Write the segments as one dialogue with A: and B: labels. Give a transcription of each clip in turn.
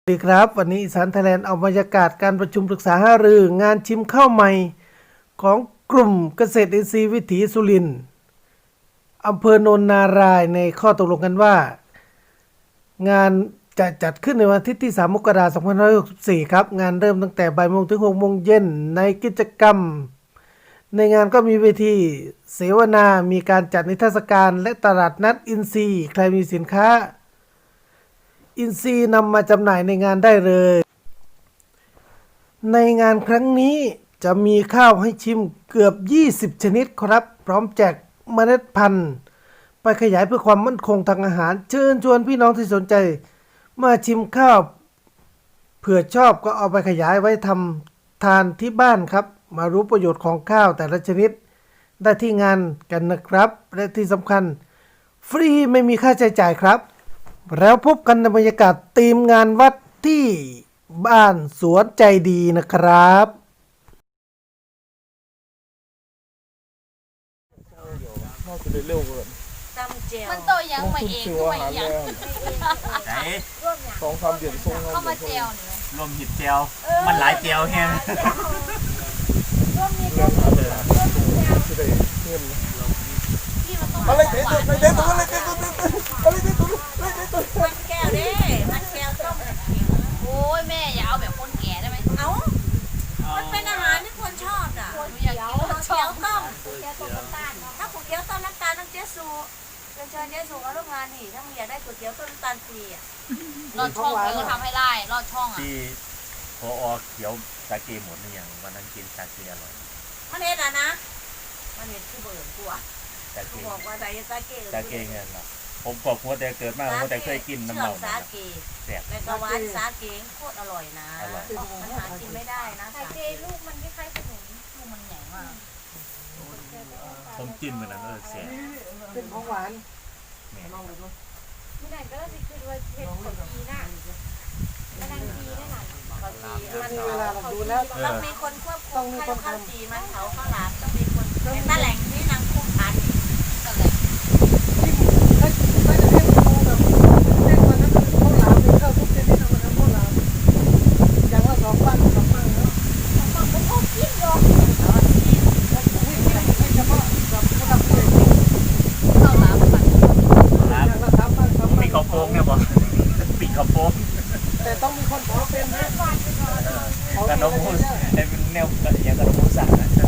A: สวัสดีครับวันนี้อีสานไทยแลนด์เอาบรรยากาศการประชุมปรึกษาหารืองานชิมข้าวใหม่ของกลุ่มเกษตรอินทรีย์วิถีสุรินทร์อำเภอโนนนารายในข้อตกลงกันว่างานจะจัดขึ้นในวันอาทิตย์ที่3 มกราคม 2564 ครับงานเริ่มตั้งแต่บ่ายโมงถึง 6 โมงเย็นในกิจกรรมในงานก็มีเวทีเสวนามีการจัดนิทรรศการและตลาดนัดอินทรีย์ใครมีสินค้าอินทรีย์นำมาจำหน่ายในงานได้เลยในงานครั้งนี้จะมีข้าวให้ชิมเกือบ20ชนิดครับพร้อมแจกเมล็ดพันธุ์ไปขยายเพื่อความมั่นคงทางอาหารเชิญชวนพี่น้องที่สนใจมาชิมข้าวเผื่อชอบก็เอาไปขยายไว้ทำทานที่บ้านครับมารู้ประโยชน์ของข้าวแต่ละชนิดได้ที่งานกันนะครับและที่สำคัญฟรีไม่มีค่าใช้จ่ายครับแล้วพบกันในบรรยากาศทีมงานวัดที่บ้านสวนใจดีนะครับ
B: มันโตยังมาเองก็มายัง
C: ไหน
D: 2-3 เดือนส่ง
B: เข้ามาเจลเนี่ย
C: รวมหิบเจียวมันหลายเจียวแฮง
D: สิได้เงิน
B: พี่มันต้อง
D: อะไรเด็ดตัวอะไรเด็ดตัวอะไรเด็ดตัวอะไรเด็ดตัวอะไรเด็ดตัว
B: มันแก้วดิมันแก้วต้มโอ้ยแม่อย่าเอาแบบคนแก่ได้ไหมเอ้ามันเป็นอาหารที่คนชอบอ่ะอยากกินก๋วยเตี๋ยวต้มถ้าก๋วยเตี๋ยวต้มน้ำตาลต้องเจ๊สูเชิญเจ๊สูมาร่วมงานนี่ถ้ามึงอยากได้ก๋วยเตี๋ยวต้มน้ำตาลฟรีอ่ะรอดช่องเขาก็ทำให้ได้รอดช่องอ่ะ
C: ที่พอเขียวสาเกหมดหรือยังวันนั้นกินสาเกอร่อย
B: มันเห็นอ่ะนะมันเห็นคือเบิร์ดกลัว
C: สาเก
B: บอกว่าใส่สาเก
C: สาเกเงี้ยเหรอผมบอกว่าแต่เกิดมาผมแต่เคยกินน้ำเมา
B: สาเก
C: แซ่บ
B: แล้วก็หวานสาเกโคตรอร่อยนะมันหากินไม่ได้นะสาเก
E: ลูกมันคล้ายๆขนม
B: ลูกมันใหญ่มาก
C: ผมกินเหมือนนั้นแซ่บ
A: เป็นของหวาน
C: เนี่ย
E: ไม่ได้ก็เลยคือว่าเห็ดขนมจีน่ะมันดังจีนั่นน่ะ
B: ข้าวจี
A: มีเวลาเราดูแล้ว
B: ต้องมีคนควบคุมให้ข้าวจีมันเขาข้าวหลามต้องมีคนเป็นตะแหล่งที่นางคุมพันตะแหล่ง
A: ถ้าจะให้ดูแบบเด็กวันนั้นข้าวหลามมีข้าวทุกชนิดวันนั้นข้าวหลามอย่างละ2 ปั้น2 ปั้นแล้วให้เฉพาะกับผู้ทำเอง
B: ข้าวหลามผัด
C: ครับ
A: อย่างละ3 ปั้น2 ปั้น
C: มีข้าวโพงเนี่ยบ่ปีกข้าวโพง
A: แต่ต้องมีคนขอเป็นนะ
C: ขนมมูสไอ้เป็นแนวอย่างขนมมูสอะนะ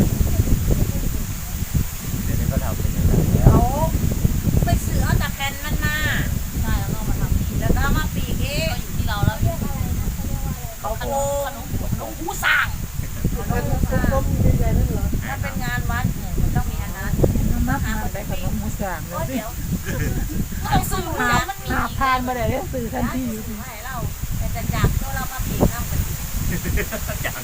C: เดี๋ยวนี้ก็ทำเป็นอย่างนั้นแล้ว
B: เขาไปซื้อเอาตะแกรงมันมาใช่แล้วก็มาทำแล้วก็มาปีกเองก็อยู่ที่เราแล้วเขาโกขนมหูสั่ง
A: เป็นต้มใหญ่ๆนั่นเหรอ
B: ถ้าเป็นงานวัดมันต้องมีอันนั้นนับหาคนได้ขนมหมูสังเลยเดี๋ยวต้องซื้อหามันมี
E: ทานมาได้สื่อทันที
B: ให้เราแต่จากตัวเรามาปีกน้ำกัน
C: อย่าง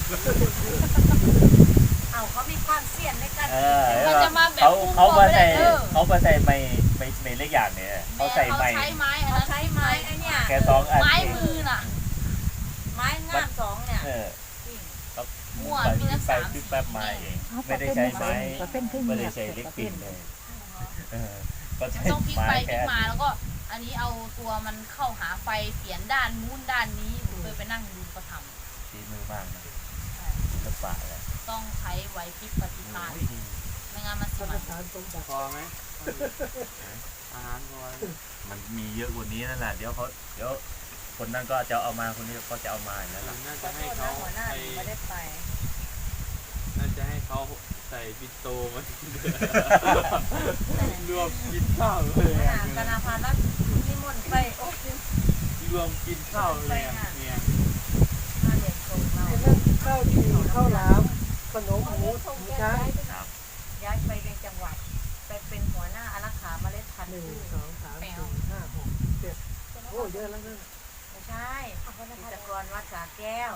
B: เอาเขามีความเสี่ยงในการ
C: เขามาใส่ไม่เล็กอย่างเนี่ยเขาใส่ไม้
B: ใช้ไม้เขาใช้ไม้ไอ้เนี่ย
C: แค่2 อัน
B: ไม้มือน่ะไม้งาม2เนี่ย
C: ก็มั่วมีทั้ง3ปิ๊บแป๊บมาเองไม่ได้ใช้ไม้ไม่ได้ใช้เล็กปิ่นเลยก็ใช้
B: ต้องพลิก
C: ไม้
B: ไปพลิ
C: แค่
B: กมาแล้วก็อันนี้เอาตัวมันเข้าหาไฟเปลี่ยนด้านนู้นด้านนี้เคยไปนั่งดูเขาทำ
C: ฝีมือมากนะศิลปะเลย
B: ต้องใช้ไหวพริบปฏิภาณไม่งั้นมันสิมัน
D: พอไหมอาหารพอ
C: มันมีเยอะกว่านี้นั่นแหละเดี๋ยวคนนั้นก็จะเอามาคนนี้ก็จะเอามาอย่างนั้นแหละ
D: น่าจะให้เขา
B: หัวหน้าไม่ได้ไป
D: น่าจะให้เขาใส่บิโตมารวมกินข้าวเลย
B: ธนาคารแล้วนิมนต์ไปโอ้ย
D: รวมกินข้าวเลยเนี่ย
B: มาเด็กส่งเรา
A: ข้าวจีข้าวหลามขนมหมูช้าง
B: ย้ายไปในจังหวัดไปเป็นหัวหน้าอารักขาเมล็ดพันธุ์
A: 1 2 3 4 5 6 7โอ้เยอะแล้วนะ
B: ไม่ใช่กิจกรวัดสาแก้ว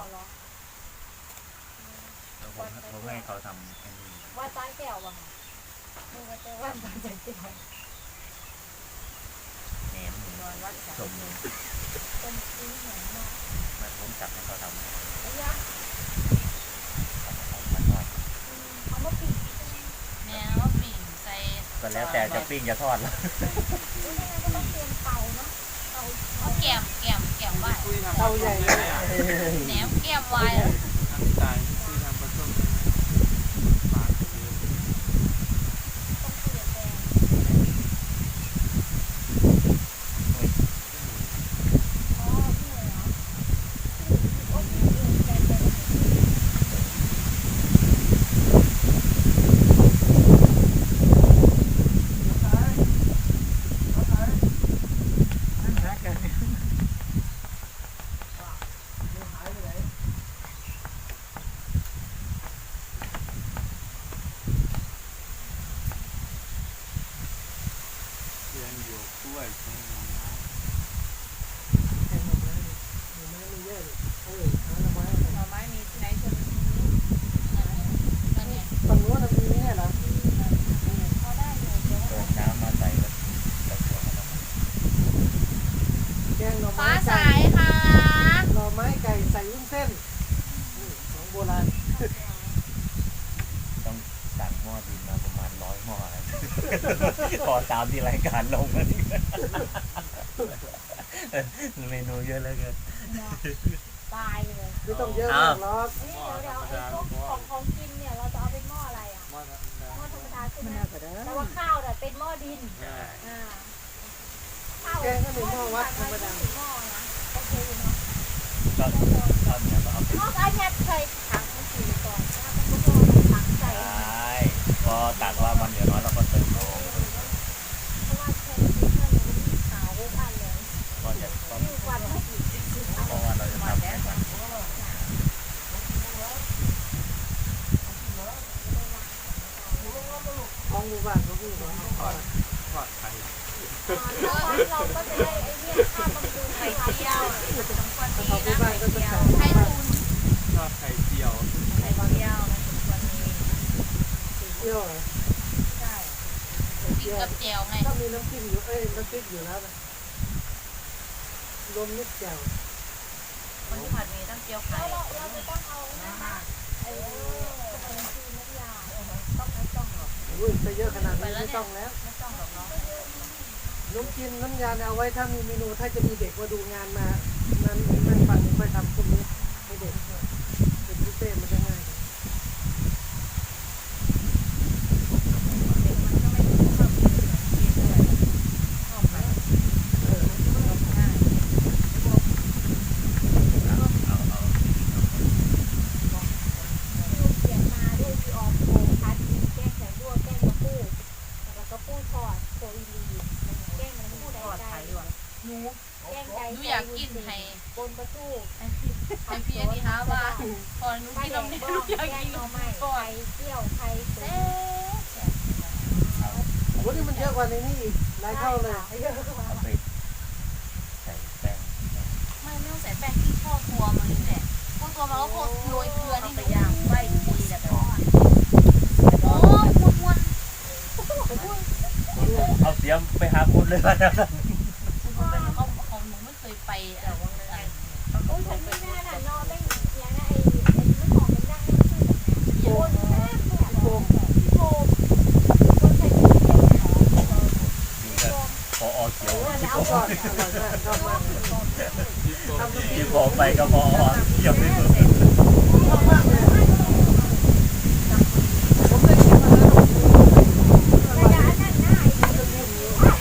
C: ผมให้เขาทำอันนี้
E: ว่าต้านแก้วว่ะมึงก็จะว่าต้านแก้ว
C: แหนม
B: กรวัดสา
C: ชม
E: เป็นสีเหมือนมาก
C: มันผมจับให้เขาทำให้
E: แล้วยะ
C: มันทอด
E: เอามาปีก
B: แม่ว่าปิ่งใส่
C: ก็แล้วแต่จะปิ้งจะทอดแล้ว
E: แล้วยังไงก็ต้องเตรียมเตาเนาะเตา
B: เอาแก้มไหว้
D: คุยทำ
A: เตาใหญ่
D: ได้อ่ะ
B: แหนมแก้มวาย
D: ทำใจคุยทำปลาส้มได้ไหมปากเยอะ เรียนอยู่กล้วยใช่ไหมน้อง
E: หน่อไม้มีที่ไหนชน
B: นั่นไง
A: ฝั่งโน้นมีเนี่ยเหรอ
E: พอได้อยู่เดี๋ยว
C: เปิดน้ำมาใส่แล้วแต่ตัวมันออกมา
A: แกงหน่อ
B: ฟ้า
A: ไม้
B: ใส
A: ไก่
B: ค่ะ
A: หน่อไม้ไก่ใส่วุ้นเส้นของโบราณ
C: ต้องสั่งหม้อดินมาประมาณ100 หม้อนะ พอตามที่รายการลงนะนี่ เมนูเยอะเหลือเกิน
E: ตายเลย
A: ไม่ต้องเยอะมากหรอก
E: นี่เดี๋ยวไอ้พวกของกินเนี่ยเราจะเอาเป็นหม้ออะไรอ่ะ
D: หม้อธรรมดา
E: หม้อธรรมดาใช่ไหมแต่ว่าข้าวเนี่ยเป็นหม้อดิน
D: ใช่
E: ข้าว
A: แกงก็หนึ่งหม้อวัดธรรมดา
E: หม้อนะโอเคอยู่เนาะ
C: ก็ตอนนี้ก็เอาเป็น
E: หม้ออันเนี้ยเคยถังมันสีก่อนนะมันก็หม้อถังใส่
C: ใช่พอตักว่ามันเหลือน้อยเราก็เติมน้ำ
E: เพราะว่าเคยกินเพื่อนหนูขาวอันเลย
C: ก็จะต้อง
E: ยิ่งกว่าไม่อีก
C: เพราะว่าเราจะทำให้มัน
A: ของหมู่บ้านเขาพูดว่า
D: ทอดไข่
E: เราก็จะได้ไอ้เนี่ยค่าบำรุงไข่เจียว
B: สมควรมี
A: ของหมู่
B: นะ
A: บ้านก็จะใส่
B: ไข่ตุน
D: ทอดไข่เจียว
B: ไข่เจียวมันสมควรมี
A: เที่ยวเหรอ
B: ใช่กินกับแจ่วไง
A: ถ้ามีน้ำจิ้มอยู่น้ำพริกอยู่แล้วนะรวมนิดแจ่ว
B: คนที่ผัดมีต้องเจียวไข่
E: เราจะต้องเอานะคะไอ้ขนมจีนน้ำยาต้องหรอก
A: อุ้ยไปเยอะขนาดนี้ไม่ต้องแล้ว
B: ไม่ต้องหรอกเนาะ
A: น้ำกินน้ำยาเนี่ยเอาไว้ถ้ามีเมนูถ้าจะมีเด็กมาดูงานมานั้นมันปั่นค่อยทำพวกนี้ให้เด็กเป็นพิเศษมันจะง่าย
B: เด็กมันก็ไม่ชอบกินขนมจีนด้วยชอบผัดง่าย
E: ลูกเขียนมาด้วยพี่ออมโกพัดแกงแข็งด้วแกงกระปูแล้วก็ปูทอดโคอีลีแกงมันปู
B: ท
E: ได้
B: อด
E: ใจ
B: ไข่ว่ะหนู
E: แกงไก่
B: หนูอยากกินให้
E: บนประตู
B: ให้พี่อันนี้ฮะว่าพอหนู
E: ไข่
B: กิน
E: แด
B: น
E: ง
B: มนี่
E: บ้
B: หนู
E: อง
B: อยาก
E: แกง
B: กิน
E: หน่อไม้
B: ก่อน
E: ไข่เจียวไข่ตุ๋น
A: โอ้นี่มันเยอะกว่าในนี้อีกหลายเท่าเลย
E: เยอะกว่า
C: เอาไปใส่แป้ง
B: ไม่ต้องใส่แป้งที่พ่อตัวมันนี่แหละพ่อตัวมันก็โคตรโรยเกลือนี่ไปย่างไว้ดีแต่ทอดโอ้ม้วน
C: เอาเตรียมไปหาคุณเลยว่า
B: ๆมันเป็นของหนูไม่เคยไปแต่ว่าอะไร
E: โอ้ยฉันไม่แน่น่ะนอนได้อย่างนั้นไอ้ไม่ของมันดังนี่คือแบบโอนแม่โฟมโฟมคนใส่ถุงเท้า
C: นี่ก็พอเขียว
A: เอาก่อนอร่อยมากชอบมาก
D: ที่โฟม
C: ที่พอไปก็พอเขียวไม่เหมือน
A: ชอบมากเลยผมได้กินมาแล้ว
E: ระยะนั้นหน้าไอ้ที่มันอยู่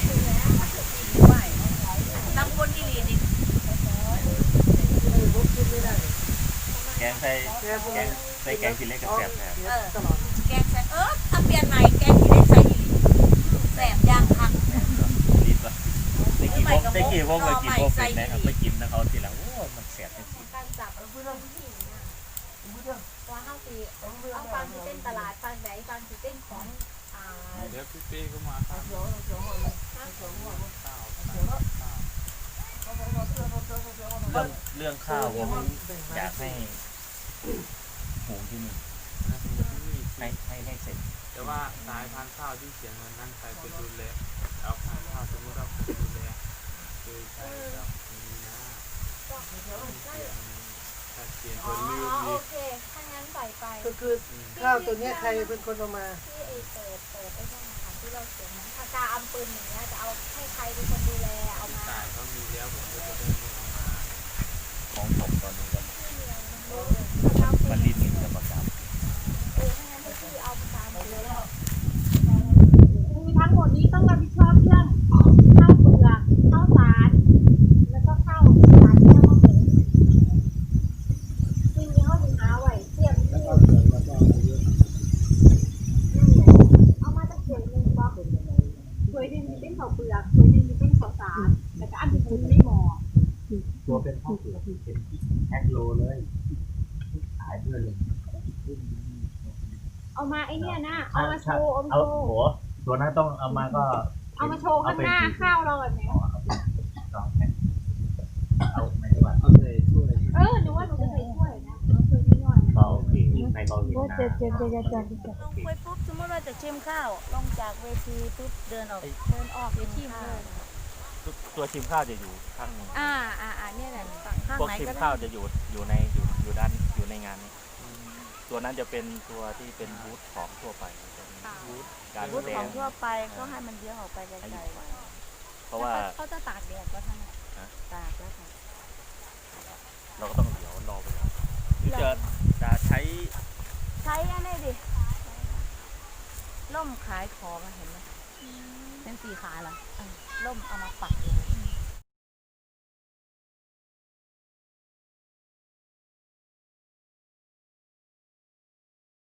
B: ตั้งคนที่ลีดิ
A: ผมกินไม่ได้
C: แกงใส่แกงกินเล็กกับแซ่บแซ่บ
A: ตลอด
B: แกงใส่ถ้าเปลี่ยนใหม่แกงที่ได้ใส่อีหลีแสบย่างคัก
C: รีบละตะกี้พวกไปกินพวกเป็นนะครับไปกินนะเขาทีหลังโอ้มันแซ่บจริง
E: การจับเพื่อนผู้หญิงน่ะว่าห้าปีเอาฟังที่เต้นตลาดฟังไหนฟังที่เต้นของ
D: เดี๋ยวพี่เป้ก็มาครับข้าว
C: เรื่องข้าวผมอยากให้หุงที่นี่ให้เสร็จ
D: แต่ว่าสายพันธุ์ข้าวที่เขียนวันนั้นใครเป็นดูแลเอาพันธุ์ข้าวสมมติเราเป็นดูแลคือใช้กับนี้นะถ้าเขียน
E: อ๋อ
D: ตัวลืม
E: โอ
D: อีก
E: เคถ้างั้นปล่อยไป
A: ก็คือข้าวตัวนี้ใครเป็นคนเอามา
E: ที่เปิดไอ้นั่นนะคะที่เราเขียนปากกาอำปืนอย่างเงี้ยจะเอาให้ใครเป็นคนดูแลเอามา
D: สายเขามีแล้วผมก็จะได้ไม่เอามา
C: ตัวเป็นข้าวเปลือกเป็นแพ็คโลเลยขายด้วยเลย
E: เอามาไอเนี่ยนะเอามาโชว์เอามา
C: เอา
E: โชว์
C: โหตัวนั้นต้องเอามาก็
E: เอามาโชว์ข้างหน้าข้าวเราแบบนี้
C: เอาไม่ว่า
D: เอาใส่ถ้วย
E: หนูว่าหนูจะใส่ถ้วยนะเอาถ้วยนิดหน่อย
C: เบาเองในเบาเองนะ
B: ลงไปปุ๊บสมมติว่าจะชิมข้าวลงจากเวทีปุ๊บเดินออกเวทีเลย
C: ตัวชิมข้าวจะอยู่ข้าง
B: เนี่ยแหละข้าง
C: พวก
B: ไหน
C: ชิม
B: ก็ได้
C: ข้าวจะอยู่ในด้านอยู่ในงานนี้ ตัวนั้นจะเป็นตัวที่เป็นบูธของทั่วไปบูธการ
B: บูธ
C: แสด
B: ของ งทั่วไปก็ให้มันเลี้ยงออกไปไกลๆ
C: เพราะว่า
B: เขาจะตากแดดก็ทั้งตากแล้วค่ะ
C: เราก็ต้องเดี๋ยวรอไปก่อนหรือจะใช้
B: ใช้อันนี้ดิล่มขายของเห็นไหมเป็นสีขาเหรอล่มเอามาปักเลย